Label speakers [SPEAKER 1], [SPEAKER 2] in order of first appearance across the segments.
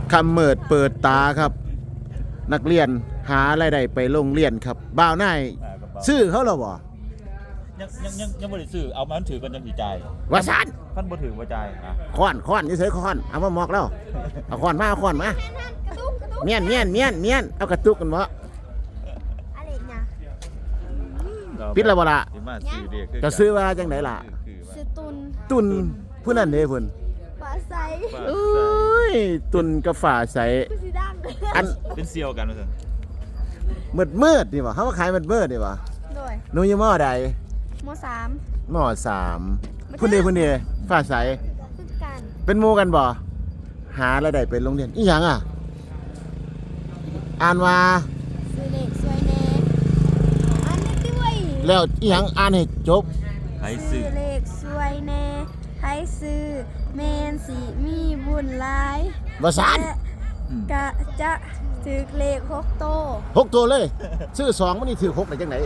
[SPEAKER 1] คำเมิดเปิดตาครับ นักเรียนหารายได้ไปโรงเรียนครับบ่าวนายซื้อเขาหรอบ่
[SPEAKER 2] ยังบ่ได้ซื้อเอามันถือกันจังสิจ่ายว
[SPEAKER 1] สัน
[SPEAKER 2] คันบ่ถือบ่จ่ายอ่ะ
[SPEAKER 1] ค้อนนี่เฉยค้อนเอามาหมอกแล้วเอาค้อนมาเมียนเอากระตุกกันบ่
[SPEAKER 3] อะไรเนี่ย
[SPEAKER 1] ปิดแล้วบ่ล่ะ
[SPEAKER 2] สิมาซื้อเด็ก
[SPEAKER 1] จะซื้อว่าจังไดล่ะ
[SPEAKER 3] ซื้อ
[SPEAKER 1] ตุนผู้นั้นเด้เพิ่น
[SPEAKER 3] ปลาใส
[SPEAKER 1] เอ้ยตุนกับฝาใส
[SPEAKER 3] ผู้สีดัง
[SPEAKER 1] อัน
[SPEAKER 2] เป็นเซียวกันว่าซั่น
[SPEAKER 1] มืดนี่บ่เฮาขายมืดนี่บ่
[SPEAKER 3] โดย
[SPEAKER 1] หนูอยู่มอใด
[SPEAKER 3] ม.3
[SPEAKER 1] ม.3พุ่นเด้ฝาใส
[SPEAKER 3] คือกัน
[SPEAKER 1] เป็นหมู่กันบ่หารายได้ไปโรงเรียนอีหยังอ่ะอ่านว่า
[SPEAKER 3] ซื้อเล็กสวยแน่อันนี้ด้วย
[SPEAKER 1] แล้วอีหยังอ่านให้จบ
[SPEAKER 2] ใคร
[SPEAKER 3] ซื้
[SPEAKER 2] ซื้
[SPEAKER 3] อ
[SPEAKER 2] อ
[SPEAKER 3] เล็กสวยแน่ให้ซื้อเมนสีมีบุญหลาย
[SPEAKER 1] บ่ซาน
[SPEAKER 3] และกะจะถือเลข6โต
[SPEAKER 1] 6ตัวเลยซื้อ2มันนี่ถือ6ได้จังได๋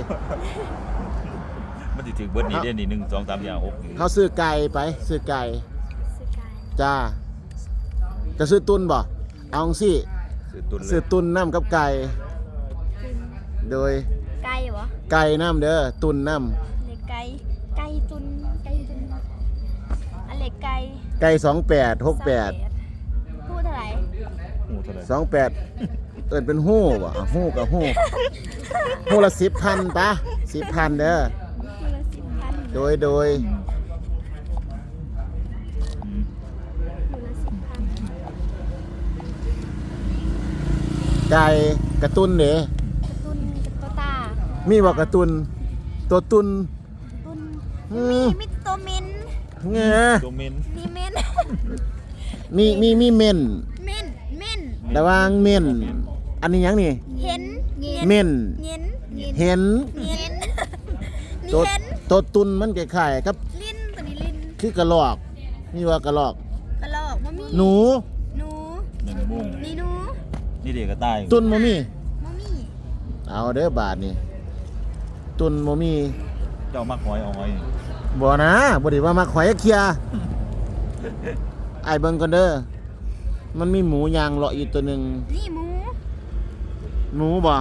[SPEAKER 2] มันสิถือเบิดนี่เด้นี่1 2 3 4 6
[SPEAKER 1] เขาซื้อไก่ไปซื้อไก่
[SPEAKER 3] ซื้อไก่
[SPEAKER 1] จ้าจะซื้อตุนบ่เอาจังซี่
[SPEAKER 2] ซื้อตุนเล
[SPEAKER 1] ซื้อย ตุนน้ำกับไก่ โดย
[SPEAKER 3] ไก่เหรอ
[SPEAKER 1] ไก่น้ำเด้อตุนน้
[SPEAKER 3] เลขไก่ไก่ตุนอันเล็กไก่
[SPEAKER 1] ำไก่28 68
[SPEAKER 3] พูดเท่าไหร่
[SPEAKER 2] หูเท่าไหร่
[SPEAKER 1] 28เอิ้นเป็นฮู้บ่ฮู้กับฮู้ฮู้ละ10,000ปะ10,000เด้อ
[SPEAKER 3] พูดละ10,000
[SPEAKER 1] โดย
[SPEAKER 2] อืม
[SPEAKER 3] พูดละ10,000
[SPEAKER 1] ไก่กระตุนเด้
[SPEAKER 3] การ์ตูนกับตัวตา
[SPEAKER 1] มีบ่กระตุนตัวตุน
[SPEAKER 3] ตุน
[SPEAKER 1] อื
[SPEAKER 3] มีตัวเมน
[SPEAKER 1] แง่
[SPEAKER 2] ตัวเมน
[SPEAKER 3] มีเมน
[SPEAKER 1] มีเม่น
[SPEAKER 3] เมนเมน
[SPEAKER 1] ระวังเม่นอันนี้หยังนี่
[SPEAKER 3] เห็น
[SPEAKER 1] เม่น
[SPEAKER 3] เห็น
[SPEAKER 1] เห็น
[SPEAKER 3] เห็น
[SPEAKER 1] ตัว
[SPEAKER 3] เห็น
[SPEAKER 1] ตัวตุนมันคล้ายๆครับ
[SPEAKER 3] ลิ้นตัวนี้ลิ้น
[SPEAKER 1] คือกระรอกนี่ว่ากระรอก
[SPEAKER 3] กระลอกมะมี่
[SPEAKER 1] หนู
[SPEAKER 3] หนู
[SPEAKER 2] 1 มุ่ง
[SPEAKER 3] นี่หนู
[SPEAKER 2] นี่เด็กก็ตาย
[SPEAKER 1] ตุนบ่มี
[SPEAKER 3] มะมี่
[SPEAKER 1] เอาเด้อบาทนี่ตุนบ่มี
[SPEAKER 2] เจ้ามักหอยเอาหอยนี่
[SPEAKER 1] บ่นะบ่ได้ว่ามาขอยเคลียร์ไอ้เบิ่งก่อนเด้อมันมีหมูยางเลาะอยู่ตัวหนึง
[SPEAKER 3] นี่หมู
[SPEAKER 1] หมูบ่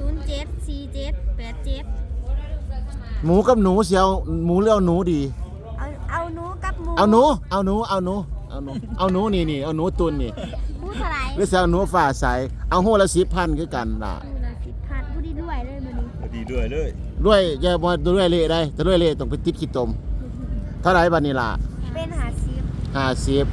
[SPEAKER 3] 074787
[SPEAKER 1] หมูกับหนูเสียวหมูเลี้ยวหนูดี
[SPEAKER 3] เอาหนูกับหมู
[SPEAKER 1] เอาหนูนี่เอาหนูตุนนี่
[SPEAKER 3] พูดเท่าไหร่
[SPEAKER 1] หรือสิเอาหนูฝ่าใสเอาโหละ10,000คือกันล่ะ
[SPEAKER 3] พูดละ10,000พูดดีด้วยเลยมื้อนี้
[SPEAKER 2] ดีด้วยเลย
[SPEAKER 1] ด้วยอย่าบ่ด้วยเละได้แต่ด้วยเละต้องไปติดขี้ตมเท่าไหร่บัดนี้ล่ะ
[SPEAKER 3] เป็น
[SPEAKER 1] 50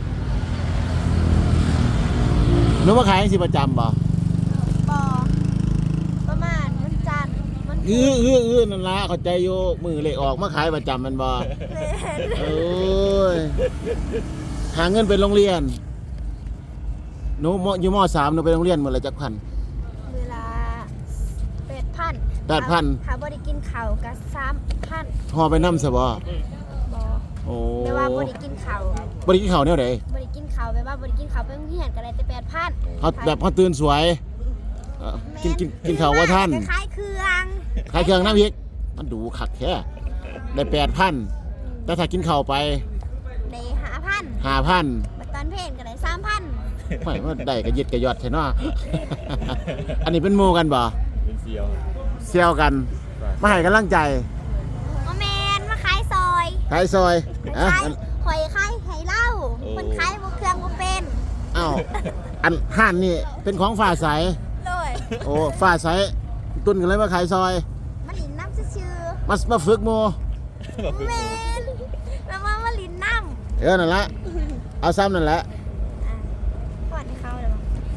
[SPEAKER 1] หนูมาขายจังสิประจำบ่
[SPEAKER 3] บอประมาณวันจันทร์วันพุธ
[SPEAKER 1] นั่นล่ะเข้าใจอยู่มือเลขออกมาขายประจำแมันบ่
[SPEAKER 3] แม่น
[SPEAKER 1] โอ้ยหาเงินไปโรงเรียนหนูอยู่ม.3หนูไปโรงเรียนมื้อละจักพัน
[SPEAKER 3] เวลา8,000
[SPEAKER 1] 8,000
[SPEAKER 3] ถ้าบ่ได้กินข้าวก็3,000
[SPEAKER 1] ฮอไปนำซะบ่
[SPEAKER 3] บ่
[SPEAKER 1] โอ้
[SPEAKER 3] แต่ว่าบ่ได้กินข้าว
[SPEAKER 1] บ่ได้กินข้าวแนวใด
[SPEAKER 3] บ่ได้กินข้าวแบบว่าบ่ได้กินข้าวไปโรงเรียนก็ได้แต่8,000
[SPEAKER 1] เฮาแบบเฮาตื่นสวยกินข้าวว่าท่าน
[SPEAKER 3] คล้ายๆเครื่อง
[SPEAKER 1] ขายเครื่องน้ำพริกมันดูคักแท้ได้ 8,000แต่ถ้ากินข้าวไป
[SPEAKER 3] ได้ 5,000
[SPEAKER 1] 5,000
[SPEAKER 3] บัดตอนเพลนก็ได้ 3,000
[SPEAKER 1] ไม่ว่าได้ก็ยึดก็ยอดแท้เนาะ อันนี้เป็นหมู่กันบ่
[SPEAKER 2] เป็นเซียว
[SPEAKER 1] เซี่ยวกันมาให้กำลังใจ
[SPEAKER 3] บ่แม่นมาขายซอย
[SPEAKER 1] ขายซอยอ่ะ
[SPEAKER 3] ขายข่อยขายให้เหล้าเพิ่นขายบ่เครื่องบ่เป็น
[SPEAKER 1] อ้าวอันห้านนี่เป็นของฝ่าใส
[SPEAKER 3] เลย
[SPEAKER 1] โอ้ฝ่าใสตุนกันเลยมาขายซอย
[SPEAKER 3] มาลินน้ำซื่อ
[SPEAKER 1] มาฝึกหมู่
[SPEAKER 3] ๆแม่นแล้วมาลินน้ำ
[SPEAKER 1] นั่นละเอาซ้ำนั่นแหละ
[SPEAKER 3] ก่อนให้เขาเลย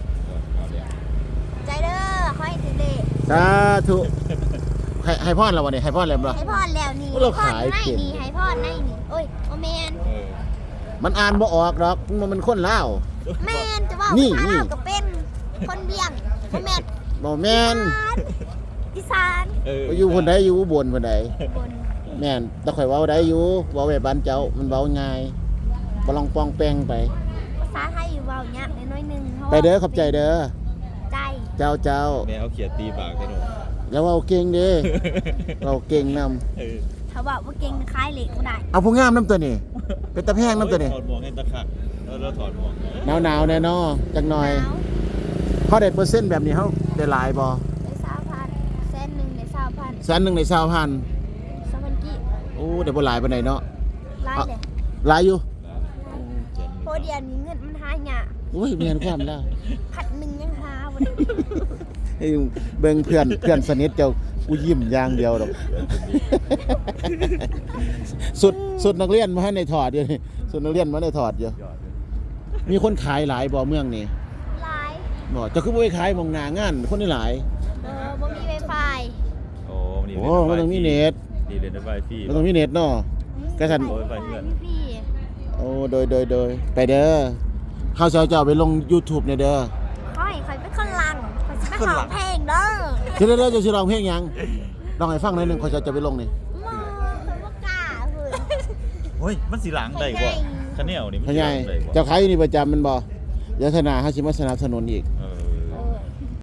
[SPEAKER 3] ใจเด้อขอให้ถึงเด้
[SPEAKER 1] สาธุให้พรเราวันนี้ให้พรแล้วบ่
[SPEAKER 3] ให้พรแล้วนี่
[SPEAKER 1] เรา
[SPEAKER 3] พร
[SPEAKER 1] ขาย
[SPEAKER 3] ใน
[SPEAKER 1] เก่ง
[SPEAKER 3] นี่ให้พรในนี่โอ้ยโอแมน
[SPEAKER 1] มันอ่านบ่ออกดอกมันคนลาว
[SPEAKER 3] แมนจะว่า
[SPEAKER 1] นี่
[SPEAKER 3] ภาษา
[SPEAKER 1] นี่
[SPEAKER 3] ลาวก็เป็นคนเบียงโอแมน
[SPEAKER 1] บ่แม่น
[SPEAKER 3] อีสาน
[SPEAKER 1] อยู่คนใดอยู่อุบลคนใด
[SPEAKER 3] บน
[SPEAKER 1] แม่นแต่ข่อยเว้าได้อยู่เว้าแบบบ้านเจ้ามันเว้าง่ายบ่ลองปองแปงไป
[SPEAKER 3] ภาษาไทยเว้ายากน้อยๆนึง
[SPEAKER 1] ไปเด้อขอบใจเด้อ
[SPEAKER 3] ใจ
[SPEAKER 1] เจ้า
[SPEAKER 2] แม่เอาเขียดตีปากกันหนู
[SPEAKER 1] แล้วเว้าเก่งเด้เว้าเก่งนำ
[SPEAKER 3] ถ้าว่าบ่เก่งคล้ายเหล็กบ่ได้
[SPEAKER 1] เอาผู้งามน้ำตัวนี้เป็นตะแพงน้ำตัวนี้
[SPEAKER 2] ถอดหมวกให้ตะขักแล้วถอดหมวก
[SPEAKER 1] หนาวๆแน่นอจักหน่อย
[SPEAKER 3] หนาว
[SPEAKER 1] เขาได้เปอร์เซ็นต์แบบนี้เขาได้หลายบ่
[SPEAKER 3] ได้20,000แสนหนึ่งได้20,000
[SPEAKER 1] แสนหนึ่งใน20,000
[SPEAKER 3] 20,000กี่
[SPEAKER 1] โอ้ได้บ่หลายปานใดเนาะ
[SPEAKER 3] ไล่เลย
[SPEAKER 1] หลายอยู่
[SPEAKER 3] เพราะเดี๋ยวนี้เงินมันหายาก
[SPEAKER 1] โอ้ยแม่นความแล้ว
[SPEAKER 3] 1,000ยังหาบ่ได้
[SPEAKER 1] เฮ้ยเบิ่งเพื่อนสนิทเจ้ากูยิ้มอย่างเดียวดอก สุดนักเรียนมาให้ในถอดอยู่นี่สุดนักเรียนมาในถอดอยู่
[SPEAKER 2] ยอดเลย
[SPEAKER 1] มีคนขายหลายบ่เมืองนี่
[SPEAKER 3] หลาย
[SPEAKER 1] บ่เจะคือบ่ไปขายหมองหน้างานคนนี่หลาย
[SPEAKER 3] บ่มี Wi-Fi
[SPEAKER 2] โอ้นี่
[SPEAKER 1] โอ้มันต้องมีเน็ต
[SPEAKER 2] ดีเรียนไวฟรี
[SPEAKER 1] มันต้องมีเน็ตเนาะ ก็ฉัน
[SPEAKER 2] โอ้ยไปเพื่อน
[SPEAKER 3] พี่
[SPEAKER 1] โอ้โดยไปเด้อเฮาสิเอาเจ้าไปลง YouTube เนี่ยเด้อ
[SPEAKER 3] ขอให้คอยเป็นคนลังคอยสิไปร้องเพลงเด้อ
[SPEAKER 1] สิได้จะสิร้องเพลงหยังลองให้ฟังหน่อยหนึงขอยจะไปลงนี่
[SPEAKER 3] มาคือบ่กล้าเพิ่น
[SPEAKER 2] โอ้ยมันสีหลังได้กว่าคะแนนนี่มัน
[SPEAKER 1] พ่อ
[SPEAKER 2] สี
[SPEAKER 1] ให
[SPEAKER 2] ห
[SPEAKER 1] ญ่
[SPEAKER 2] ลังได้กว่า
[SPEAKER 1] เจ้าขายอยู่นี่ประจำแมันบ่เดี๋ยวธนาเฮาสิมาสนับสนุนอีก
[SPEAKER 2] เออ